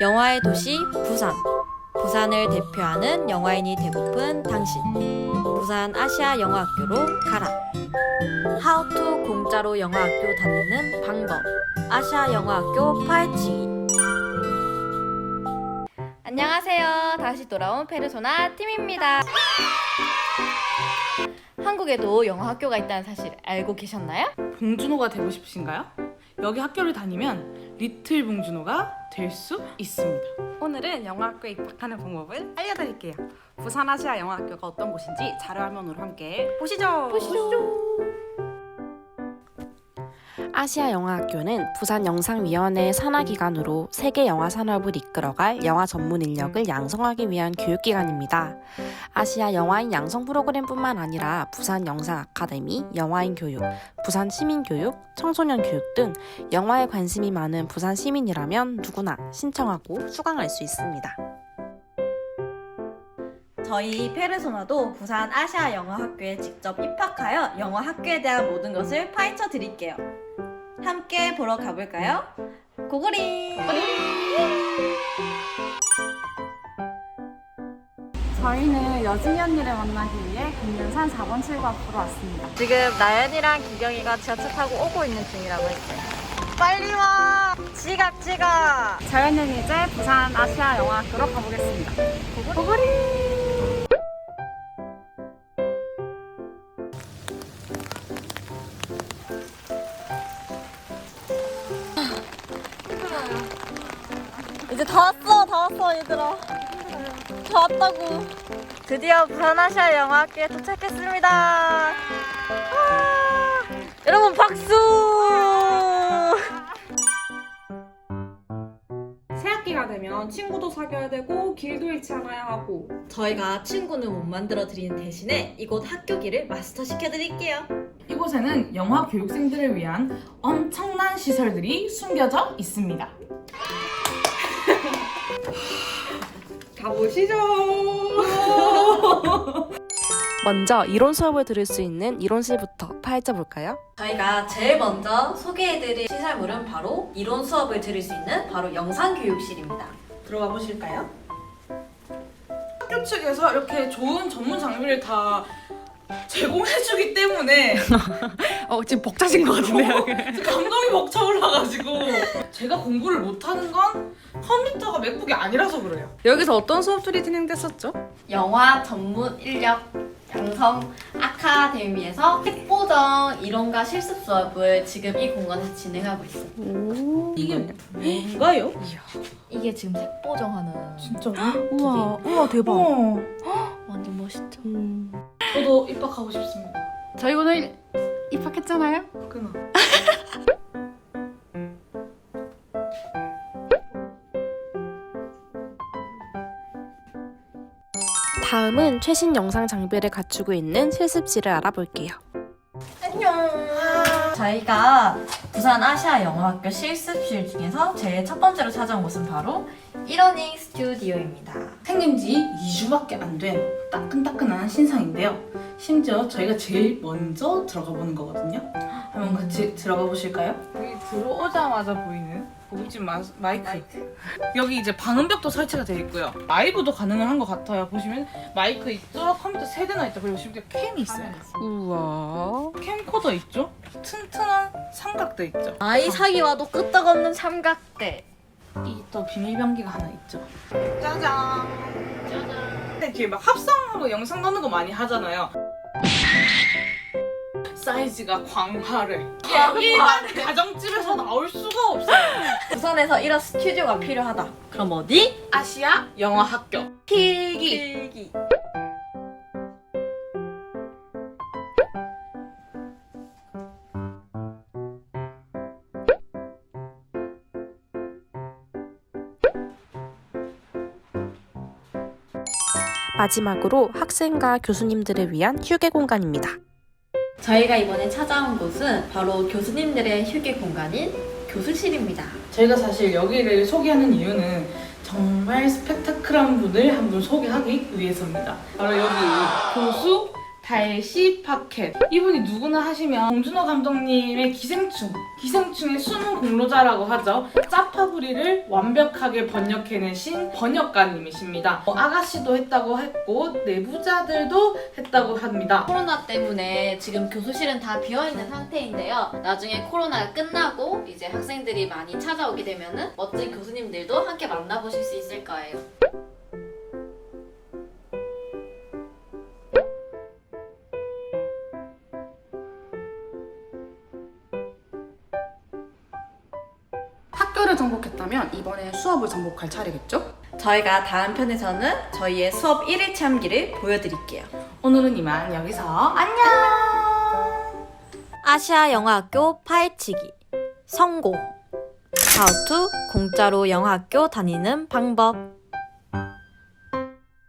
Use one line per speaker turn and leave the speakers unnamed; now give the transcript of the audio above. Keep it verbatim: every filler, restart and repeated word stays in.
영화의 도시 부산. 부산을 대표하는 영화인이 되고픈 당신. 부산 아시아 영화학교로 가라. 하우투 공짜로 영화학교 다니는 방법. 아시아 영화학교 파헤치기. 안녕하세요. 다시 돌아온 페르소나 팀입니다. 한국에도 영화학교가 있다는 사실 알고 계셨나요?
봉준호가 되고 싶으신가요? 여기 학교를 다니면 리틀 봉준호가 될 수 있습니다.
오늘은 영화학교에 입학하는 방법을 알려드릴게요. 부산 아시아 영화학교가 어떤 곳인지 자료화면으로 함께 보시죠.
보시죠.
아시아 영화학교는 부산영상위원회의 산하기관으로 세계 영화 산업을 이끌어갈 영화 전문 인력을 양성하기 위한 교육기관입니다. 아시아 영화인 양성 프로그램뿐만 아니라 부산 영상 아카데미, 영화인 교육, 부산 시민교육, 청소년 교육 등 영화에 관심이 많은 부산 시민이라면 누구나 신청하고 수강할 수 있습니다.
저희 페르소나도 부산 아시아 영화학교에 직접 입학하여 영화학교에 대한 모든 것을 파헤쳐 드릴게요. 함께 보러 가볼까요? 고고리!
저희는 여진이 언니를 만나기 위해 금년산 사 번 출구 앞으로 왔습니다.
지금 나연이랑 기경이가 지하철 타고 오고 있는 중이라고 했어요. 빨리 와! 지각 지각!
저희는 이제 부산 아시아 영화학교로 가보겠습니다. 고고리!
이제 다 왔어, 다 왔어, 얘들아. 다 왔다고. 드디어 부산 아시아 영화학교에 도착했습니다. 아, 여러분 박수!
새학기가 되면 친구도 사귀어야 되고 길도 잃지 않아야 하고
저희가 친구는 못 만들어 드리는 대신에 이곳 학교기를 마스터 시켜 드릴게요.
이곳에는 영화 교육생들을 위한 엄청난 시설들이 숨겨져 있습니다. 가보시죠.
먼저 이론 수업을 들을 수 있는 이론실부터 파헤쳐볼까요?
저희가 제일 먼저 소개해드릴 시설물은 바로 이론 수업을 들을 수 있는 바로 영상교육실입니다.
들어가 보실까요? 학교 측에서 이렇게 좋은 전문 장비를 다 제공해주기 때문에
어, 지금 벅차신 것 같은데요?
지금 감동이 벅차올라가지고 제가 공부를 못하는 건 컴퓨터가 맥북이 아니라서 그래요.
여기서 어떤 수업들이 진행됐었죠?
영화 전문 인력 양성 아카데미에서 핵보정 이론과 실습 수업을 지금 이 공간에서 진행하고 있습니다.
이게 뭔가요?
이게 지금 색보정하는
진짜로?
우와, 우와 대박.
어,
완전 멋있죠?
음.
저도 입학하고 싶습니다.
저희 오늘 입학했잖아요.
끊어.
다음은 최신 영상 장비를 갖추고 있는 실습실을 알아볼게요.
안녕. 저희가 부산 아시아 영화학교 실습실 중에서 제일 첫 번째로 찾아온 곳은 바로 이러닝 스튜디오입니다.
생긴 지 이 주밖에 안 된 따끈따끈한 신상인데요. 심지어 저희가 제일 먼저 들어가 보는 거거든요. 한번 같이 들어가 보실까요? 여기 들어오자마자 보이는 고급진 마, 마이크. 마이크. 여기 이제 방음벽도 설치가 되어 있고요. 라이브도 가능한 것 같아요. 보시면 마이크 있죠? 컴퓨터 세 대나 있죠? 그리고 심지어 캠이 있어요.
우와.
캠코더 있죠? 튼튼한 삼각대 있죠?
아이 사기와도 끄떡없는 삼각대.
이 또 비밀병기가 하나 있죠. 짜잔. 짜잔. 이렇게 막 합성하고 영상 넣는 거 많이 하잖아요. 사이즈가 광활해. 이게 일반 가정집에서 나올 수가 없어요.
부산에서 이런 스튜디오가 필요하다. 그럼 어디?
아시아 영화학교 필기.
필기.
마지막으로 학생과 교수님들을 위한 휴게 공간입니다.
저희가 이번에 찾아온 곳은 바로 교수님들의 휴게 공간인 교수실입니다.
저희가 사실 여기를 소개하는 이유는 정말 스펙타클한 분을 한 분 소개하기 위해서입니다. 바로 여기 교수 달시 파켓. 이분이 누구나 하시면 봉준호 감독님의 기생충, 기생충의 숨은 공로자라고 하죠. 짜파구리를 완벽하게 번역해내신 번역가님이십니다. 어, 아가씨도 했다고 했고 내부자들도 했다고 합니다.
코로나 때문에 지금 교수실은 다 비어있는 상태인데요. 나중에 코로나가 끝나고 이제 학생들이 많이 찾아오게 되면은 멋진 교수님들도 함께 만나보실 수 있을 거예요.
학교를 정복했다면 이번에 수업을 정복할 차례겠죠?
저희가 다음 편에서는 저희의 수업 일 일 체험기를 보여드릴게요.
오늘은 이만 여기서 안녕!
아시아 영어학교 파헤치기 성공! How to 공짜로 영어학교 다니는 방법.